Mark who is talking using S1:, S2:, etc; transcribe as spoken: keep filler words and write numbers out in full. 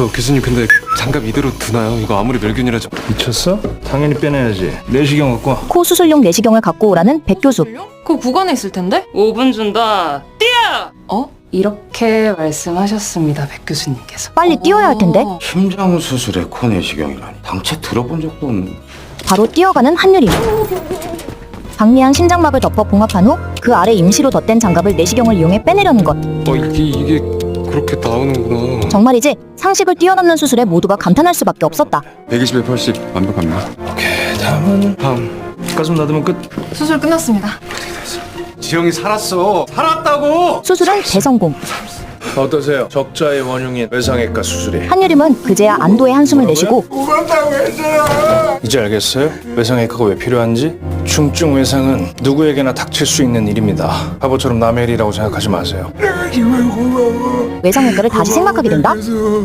S1: 저 교수님 근데 장갑 이대로 두나요? 이거 아무리 멸균이라도.
S2: 미쳤어? 당연히 빼내야지. 내시경 갖고 와.
S3: 코 수술용 내시경을 갖고 오라는 백 교수.
S4: 그거 구간에 있을 텐데?
S5: 오 분 준다. 뛰어!
S4: 어? 이렇게 말씀하셨습니다, 백 교수님께서.
S3: 빨리 뛰어야 할 텐데.
S4: 어.
S6: 심장 수술에 코내시경이라니 당최 들어본 적도 없는.
S3: 바로 뛰어가는 한유림. 박리한 심장막을 덮어 봉합한 후 그 아래 임시로 덧댄 장갑을 내시경을 이용해 빼내려는 것.
S1: 어 이게 이게 그렇게 나오는구나.
S3: 정말이지 상식을 뛰어넘는 수술에 모두가 감탄할 수밖에 없었다.
S1: 백이십에 팔십 완벽합니다.
S2: 오케이, 다음은
S1: 다음.
S2: 가슴 닫으면 끝.
S4: 수술 끝났습니다.
S6: 지영이 살았어. 살았다고.
S3: 수술은 대성공.
S2: 어떠세요? 적자의 원흉인 외상외과 수술이.
S3: 한유림은 그제야 안도의 한숨을 내쉬고
S2: 이제 알겠어요? 외상외과가 왜 필요한지? 중증 외상은 누구에게나 닥칠 수 있는 일입니다. 바보처럼 남의 일이라고 생각하지 마세요.
S3: 외상외과를 다시 생각하게 된다.